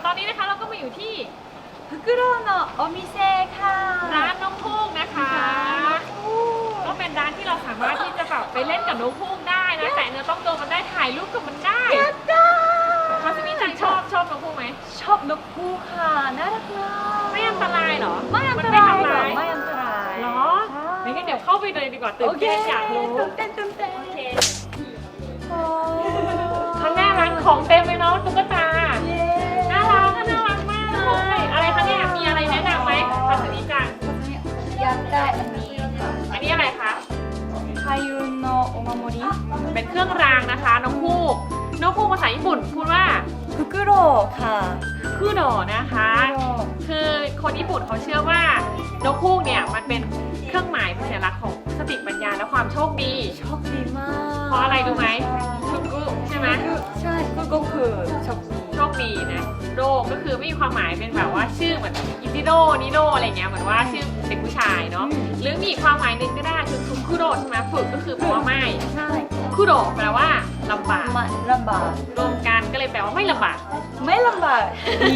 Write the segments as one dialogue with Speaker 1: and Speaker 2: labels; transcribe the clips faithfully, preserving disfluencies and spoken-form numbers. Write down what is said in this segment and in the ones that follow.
Speaker 1: อนนี้นะคะเราก็มาอยู่ที่
Speaker 2: フクロウのお店ค่ะ
Speaker 1: ร้านนกฮูกนะคะ ก็เป็นร้านที่เราสามารถที่จะแบบไปเล่นกับนกฮูกได้นะแต่เนื้อต้องตัวมันได้ถ่ายรูปกับมันได้
Speaker 2: やった
Speaker 1: คาซิมิจังชอบชอบนกฮูกไหม
Speaker 2: ーชอบนกฮูกค่ะน่ารักมาก
Speaker 1: ไม่อันตรายเหรอ
Speaker 2: ไม่อัน
Speaker 1: มั
Speaker 2: ต
Speaker 1: ไม่
Speaker 2: ราย
Speaker 1: ทำ
Speaker 2: หรอ
Speaker 1: ร้าย
Speaker 2: ไม่อันตราย
Speaker 1: เหรองั้นเดี๋ยวเข้าไปเลยดีกว่าตื่
Speaker 2: โอน เค
Speaker 1: เต้นอยากรู้
Speaker 2: ตื่นเต้นตื่นเต้น
Speaker 1: โอเค
Speaker 2: โอ้
Speaker 1: ข้างหน้าร้านของเต็มเลยเนาะตุ๊กตา
Speaker 2: เย้
Speaker 1: น่ารักน่ารักมากเลยอะไรคะเนี่ยมีอะไรแนะนำไหมคาซิมิจัง
Speaker 2: อยากได้อันนี้ค่ะ
Speaker 1: อันนี้อะไรคะ
Speaker 2: ไคยุนโนโอมาโมริ
Speaker 1: เป็นเครื่องรางนะคะนกฮูกนกฮูกภาษาญี่ปุ่นพูดว่า
Speaker 2: ฟุกุโรค่ะ
Speaker 1: คุโดะนะคะ คือคนญี่ปุ่นเขาเชื่อว่านกฮูกเนี่ยมันเป็นเครื่องหมายเป็นสัญลักษณ์ของสติปัญญาและความโชคดี
Speaker 2: โชคดีมาก
Speaker 1: เพราะอะไรรู้ไหมฟุกุใช่ไหม
Speaker 2: ใช่ฟุกุคือโชคดี
Speaker 1: โชคดีนะโดก็คือไม่มีความหมายเป็นแบบว่าชื่อเหมือนอิจิโดนิโดอะไรเงี้ยเหมือนว่าชื่อเด็กผู้ชายเนาะหรือมีอีกความหมายหนึ่งก็ได้คือคุโดะใช่ไหมฝึกก็คือแปลว่าไม่
Speaker 2: ใช่
Speaker 1: คุโดะแปลว่าลำบาก
Speaker 2: ไม่ลำบาก
Speaker 1: รวมกันก็เลยแปลว่าไม่ลำบาก
Speaker 2: ไม่ลำบากดี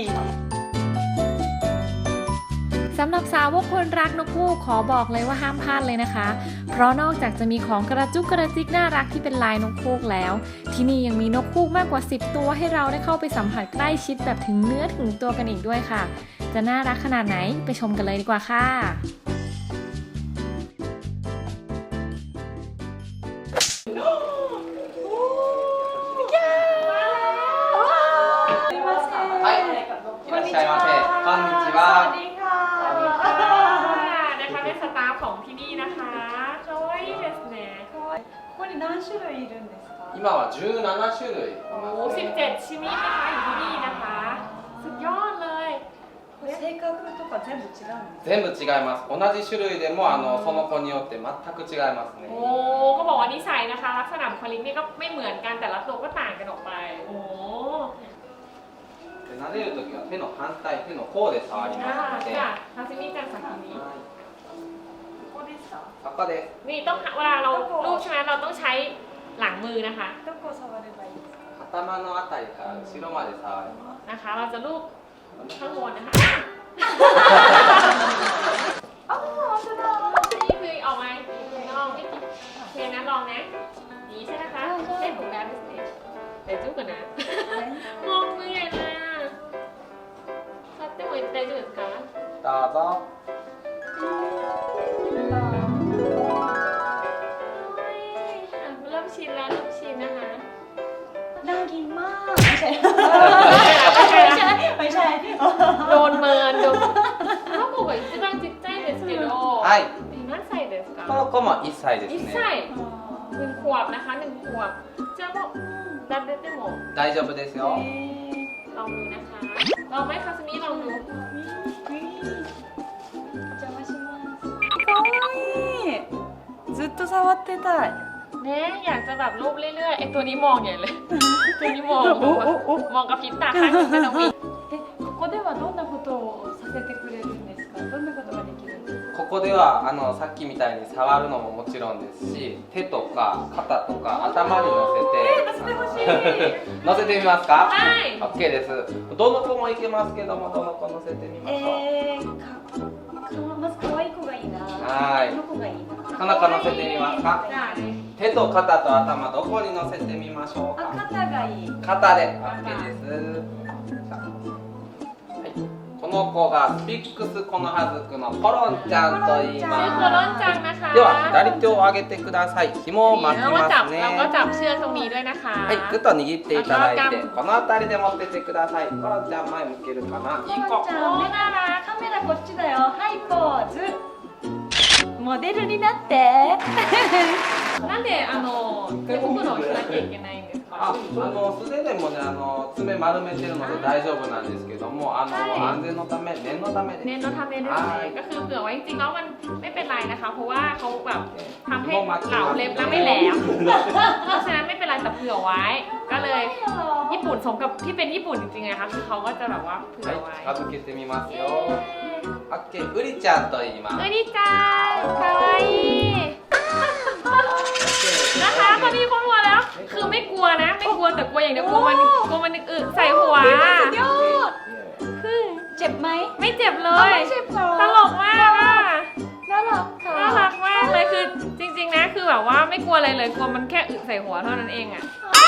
Speaker 3: สำหรับสาวกคนรักนกฮูกขอบอกเลยว่าห้ามพลาดเลยนะคะ เพราะนอกจากจะมีของกระจุกกระจิกน่ารักที่เป็นลายนกฮูกแล้ว ที่นี่ยังมีนกฮูกมากกว่าสิบตัวให้เราได้เข้าไปสัมผัสใกล้ชิดแบบถึงเนื้อถึงตัวกันอีกด้วยค่ะ จะน่ารักขนาดไหนไปชมกันเลยดีกว่าค่ะ
Speaker 4: はい、いらっしゃいませ。こんにち
Speaker 2: สวัส
Speaker 4: は。
Speaker 2: ดีค่ะ
Speaker 1: นะคะเป็นสตาฟของที่นี่นะคะคาวาอิเดสเนะ
Speaker 2: ここに何種類いるんですか
Speaker 4: 今はじゅうなな種類い
Speaker 1: โอ้
Speaker 4: ます
Speaker 1: สิบ
Speaker 4: ね。
Speaker 1: เจ็ดชนิดนะคะอยู่ที่นี่นะคะ สุดยอดเลย
Speaker 2: 性格とか全部違うんですか
Speaker 4: 全部違います。同じ種類でもあのその子によって全く違いますね
Speaker 1: โอ้ก็บอกว่านิสัยนะคะ ลักษณะบุคลิกนี่ก็ไม่เหมือนกันแต่ละตัวก็ต่างกันออกไป โอ้
Speaker 4: で撫でるときは手の反対、手の甲で触り
Speaker 1: อ่า
Speaker 4: ますので。
Speaker 1: จ้ะ
Speaker 4: は
Speaker 1: ทาซิมิจังสักทีนี้
Speaker 4: い、
Speaker 2: ここですか
Speaker 4: そこです。
Speaker 1: นี่ต้องเวลาเราลูบใช่ไหมเราต้องใช้หลังมือนะคะ
Speaker 2: どこを触ればいいですか
Speaker 4: 頭のあたりから後ろまで触りま
Speaker 1: นะคะ เราจะลูบข้างบนนะคะ
Speaker 2: あー本当だ
Speaker 1: นี่คือออกมาลองไม่ติดโอเคนะลองนะนี่ใช่ไหมคะได้ถูกแล้วดิสเนย์เดี๋ยวจุ๊บกันนะ มองมือใหญ่เลยอ่ะซัดได้หมดได้จุดคะ
Speaker 4: す。どうぞ。
Speaker 1: เริ่มชินแล้วเริ่มชินนะคะ
Speaker 2: น่ากินมากไม่ใช่
Speaker 1: ไม่ใช่
Speaker 2: ไม่ใช่ไม่ใช่
Speaker 1: โดนเมินโดนถ้าบอกว่า一番ちっちゃいですけど
Speaker 4: はい。
Speaker 1: 何歳ですか
Speaker 4: この子もいっさいです
Speaker 1: 一
Speaker 4: ね。
Speaker 1: 歳หนึ่งขวบนะคะหนึ่งขวบจะบอกดับเดตโม
Speaker 4: 大丈夫ですよ。
Speaker 1: ลองดูนะคะลองไหมคาสมิลองดู
Speaker 2: お邪魔しますかわいいずっと触ってたい
Speaker 1: เนี่ยอยากจะแบบรูปเรื่อยๆไอตัวนี้มองใหญ่เลยตัวนี้มอง
Speaker 2: โอ้โอ้โอ้
Speaker 1: มองกับพริบตาข้างหนึงก็ต้องมี
Speaker 2: えここではどんなことをさせてくれるんですかどんなことができるんですか
Speaker 4: ここではあのさっきみたいに触るのももちろんですし、手とか肩とか頭に乗せて、
Speaker 2: 乗せてほしい
Speaker 4: 乗せてみますか？
Speaker 1: はい
Speaker 4: オッケーです。どの子もいけますけども、どの子乗せてみましょう。
Speaker 2: えー、かかまず可愛い子がいいな
Speaker 4: はい
Speaker 2: この子がいいな
Speaker 4: この子乗せてみますか？
Speaker 1: ได้
Speaker 4: 手と肩と頭どこに乗せてみましょう
Speaker 2: あ
Speaker 4: か？
Speaker 2: 肩がいい
Speaker 4: 肩で オーケー です。さあはい。この子がスピックスコノハズクのコロンちゃんと言い
Speaker 1: ชื่อ
Speaker 4: ま
Speaker 1: โคลอนจังนะคะ
Speaker 4: す。では左手を上げてください。紐を巻き
Speaker 1: แล้วก็
Speaker 4: ま
Speaker 1: จับ
Speaker 4: す
Speaker 1: แล้วก็
Speaker 4: ね。
Speaker 1: จับเชือกตรงนี้ด้วยนะคะ
Speaker 4: はい、ぐっと握っていただいて、この辺りで持っててください。コロンちゃん前向けるかな。いい子。
Speaker 2: コロンちゃん
Speaker 1: โอ้น่ารัก
Speaker 2: カメラこっちだよはいポーズモデルになって
Speaker 1: なんであの手袋をしなきゃいけないんです
Speaker 4: あ、あ
Speaker 1: か
Speaker 4: の素手でもね、あの爪丸めてるので大丈夫なんですけども、あの、
Speaker 1: はい
Speaker 4: 安全のため、念のため
Speaker 1: เน้
Speaker 4: で
Speaker 1: นเราทำเน้นด้วย
Speaker 4: はい
Speaker 1: ก็คือเผื่อไว้จริงๆแล้วมันไม่เป็นไรนะคะ เพราะว่าเขาแบบทำให้
Speaker 4: 紐巻き
Speaker 1: เหลา
Speaker 4: ます
Speaker 1: เล็บแล้วไม่แหลมเพราะฉะนั้นไม่เป็นไรแต่เผื่อไว้ ก็เลยญี่ปุ่นสมกับที่เป็นญี่ปุ่นจริงๆไงคะคือเขาก็จะแบบว่าเผื่อ
Speaker 4: はい
Speaker 1: ไว้
Speaker 4: 近づけてみますよ。オッケー、ウリちゃんと言います。
Speaker 1: เอ้ยดีจังคาวาอินะคะตอนนี้เขารัวแล้ว คือไม่กลัวนะ ไม่กลัวแต่กลัวอย่างเดียวกลัวมันกลัวมันอึใส่หัว
Speaker 2: สุดยอดไหม
Speaker 1: ไม่เจ็บเล
Speaker 2: เอา
Speaker 1: ย
Speaker 2: ไม่เจ็บเหรอ
Speaker 1: ตลกมากอ่ะ
Speaker 2: น่ารักค่ะ
Speaker 1: น่ารักมากเลยคือจริงๆนะคือแบบว่าไม่กลัวอะไรเลยกลัวมันแค่อึใส่หัวเท่านั้นเองอ่ะ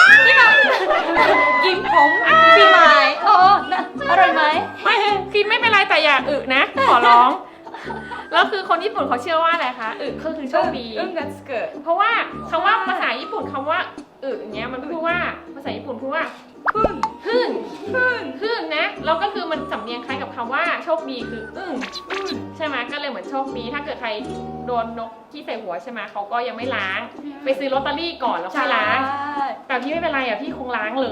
Speaker 2: กินผมพี่ไม้โอ้นะอร่อยไหม
Speaker 1: ไม่คือไม่เป็นไรแต่อย่าอึนะขอร้องแล้วคือคนญี่ปุ่นเขาเชื่อว่าอะไรคะอึก็คือโชคดี
Speaker 2: อึ้งกันสเกิด
Speaker 1: เพราะว่าคำว่าภาษาญี่ปุ่นคำว่าอึอย่างเงี้ยมันพูดว่าภาษาญี่ปุ่นพูดว่า
Speaker 2: พึ่ง
Speaker 1: พึ่ง
Speaker 2: พึ่ง
Speaker 1: พึ่งนะแล้วก็คือมันสำเนียงคล้ายกับคำว่าโชคดีคืออึ้งใช่ไหมก็เลยเหมือนโชคดีถ้าเกิดใครโดนนกที่ใส่หัวใช่ไหมเขาก็ยังไม่ล้าง ไปซื้อลอตเตอรี่ก่อนแล้วค่อยล้างแต่พี่ไม่เป็นไรอ่ะพี่คงล้างเลย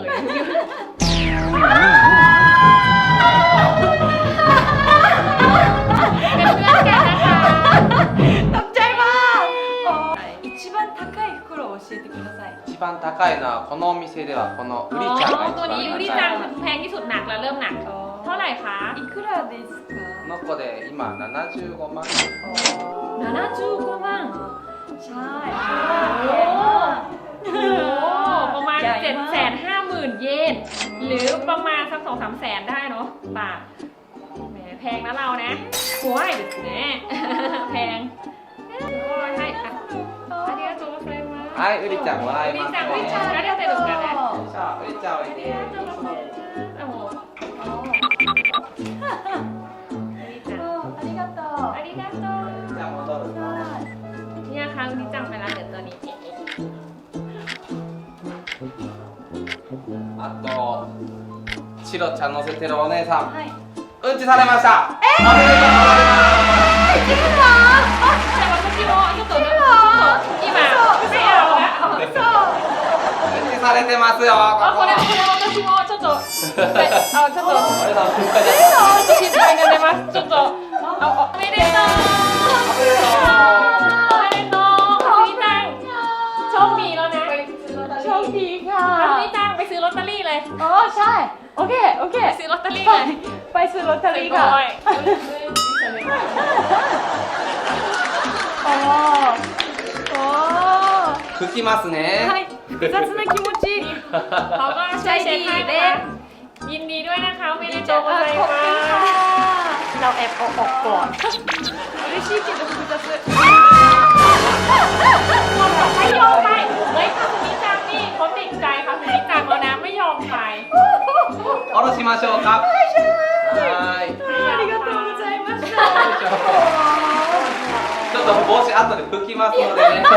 Speaker 1: เป็นเพื่อนกันนะคะ
Speaker 2: ตกใจมาก一番高い袋を教えてください
Speaker 4: 一番高いのはこのお店ではこのウリちゃんが一
Speaker 1: ตัว
Speaker 4: 番
Speaker 1: นี้
Speaker 4: 高
Speaker 1: อุ
Speaker 4: い
Speaker 1: ริจังแพงที่สุดหนักแล้วเริ่มหนัก เท่าไหร่คะ
Speaker 2: いくらですか
Speaker 4: この子で今ななじゅうごまん
Speaker 1: ななじゅうごまん
Speaker 2: ใช่
Speaker 1: โอ้โหประมาณ
Speaker 2: ใหญ่
Speaker 1: เจ็ด
Speaker 2: มาก
Speaker 1: แสนห้าหมื่นเยนหรือประมาณสักสองสามแสนได้เนาะบาทแหมแพงนะเรานะโอ้ยแหมแพงโอ้ยให้อ่ะありがとうございます
Speaker 4: はいウリちゃんもらいます
Speaker 1: ウリちゃんウリちゃんありがとうございます
Speaker 4: さあウリちゃんおいで
Speaker 1: โอ้โห
Speaker 2: ありがとう
Speaker 1: ありがとう
Speaker 4: ウリちゃん戻るぞ
Speaker 1: เนี่ยค่ะอุริจังไปแล้วเดี๋ยวตัวนี้เก็บ
Speaker 4: あとチロちゃん乗せてるお姉さん
Speaker 2: はい
Speaker 4: うんちされましたおめでとうございます
Speaker 1: แต่ว่าพี่โมちょっとちょっと今ไม่เอาละ
Speaker 4: うんちされてますよ
Speaker 1: あ、これ、こ
Speaker 4: ここ
Speaker 1: れ私もちょっと、はいあ、ちょっと、
Speaker 4: お姉さん心配です
Speaker 1: 心配になります。ちょっと、あ、おめでとう。
Speaker 4: おめでとう
Speaker 1: おめでとう。かすみจังโชคดีแล้วนะ
Speaker 2: โชคดีค่ะ
Speaker 1: かすみจังไปซื้อลอตเตอรี่เลย
Speaker 2: อ๋อใช่โอเคโอเค
Speaker 1: ไปซื้อลอตเตอรี่
Speaker 2: ไป
Speaker 1: เลย
Speaker 2: ไปซื้อลอตเตอรี่
Speaker 1: ก่
Speaker 2: ค่ะ
Speaker 1: อน
Speaker 2: โอ้โอ้
Speaker 4: 拭きますね
Speaker 2: はい複雑な気持ち
Speaker 1: เขาก็ช่วยเช็คให้นะคะยินดีด้วยนะคะไม่ได้โจกอะไร
Speaker 2: ขอบคุณค่ะ
Speaker 1: มา
Speaker 2: เราแอบเอาออกก่อน嬉しいけど複雑
Speaker 1: คนบอกไม่ยอมไปเฮ้ยคาสุมิจังนี่เขาติดใจคาสุมิจังแล้วนะไม่ยอมไป
Speaker 4: 下ろしましょうかはーい
Speaker 2: ありがとうございました
Speaker 4: ちょっと帽子後で拭きますのでね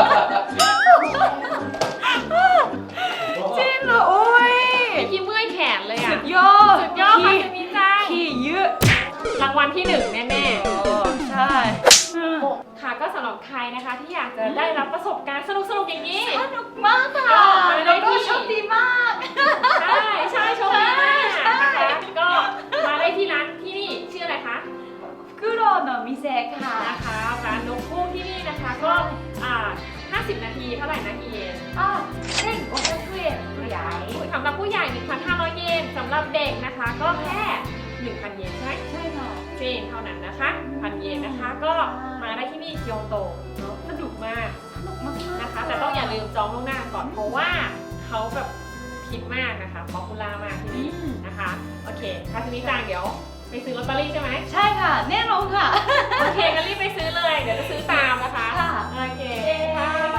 Speaker 2: จริงเหรอโอ้ย
Speaker 1: พี่เมื่อยแขนเลยอ่ะ
Speaker 2: สุดยอด
Speaker 1: สุดยอดคาสุมิจัง
Speaker 2: ขี้เยอะ
Speaker 1: รางวัลที่หนึ่งแน่
Speaker 2: ใช่
Speaker 1: ๆค่ะก็สำหรับใครนะคะที่อยากจะได้รับประสบการณ์สนุกๆอย่างนี้
Speaker 2: สนุกมากค่ะ
Speaker 1: มาได้
Speaker 2: แล้วก็
Speaker 1: ที่
Speaker 2: โชคดีมาก
Speaker 1: ใช่ใช่โชคดีมากนะคะก็มาได้ที่ร้านที่นี่ชื่ออะไรคะ
Speaker 2: フクロウの店ค่ะ
Speaker 1: นะคะร้านนกคู่ที่นี่นะคะก็อ่าห้าสิบนาทีเท่าไหร่นะกี่เยน
Speaker 2: อ่ะเส้นโอเคุเอะผู้ใหญ่
Speaker 1: สำหรับผู้ใหญ่ หนึ่งพันห้าร้อย เยนสำหรับเด็กนะคะก็แค่ หนึ่งพัน เยนใช่ไหม
Speaker 2: ใช่ค่ะ
Speaker 1: เจนเท่านั้นนะคะพันเยนนะคะก็มาได้ที่นี่เกียวโตเนอะสนุกมาก
Speaker 2: สนุกมากๆ
Speaker 1: นะคะ แต่ต้องอย่าลืมจองล่วงหน้าก่อนเพราะว่าเขาแบบคิดมากนะคะป๊อปปูล่ามากที่นี่นะคะโอเคคาสมิจังเดี๋ยวไปซื้อลอตเตอรี่ใช่ไหม
Speaker 2: ใช่ค่ะ แน่นอนค่ะ
Speaker 1: โอเคงั้นรีบไปซื้อเลย เดี๋ยวจะซื้อตามนะคะ
Speaker 2: ค่ะ
Speaker 1: โอเคค่ะ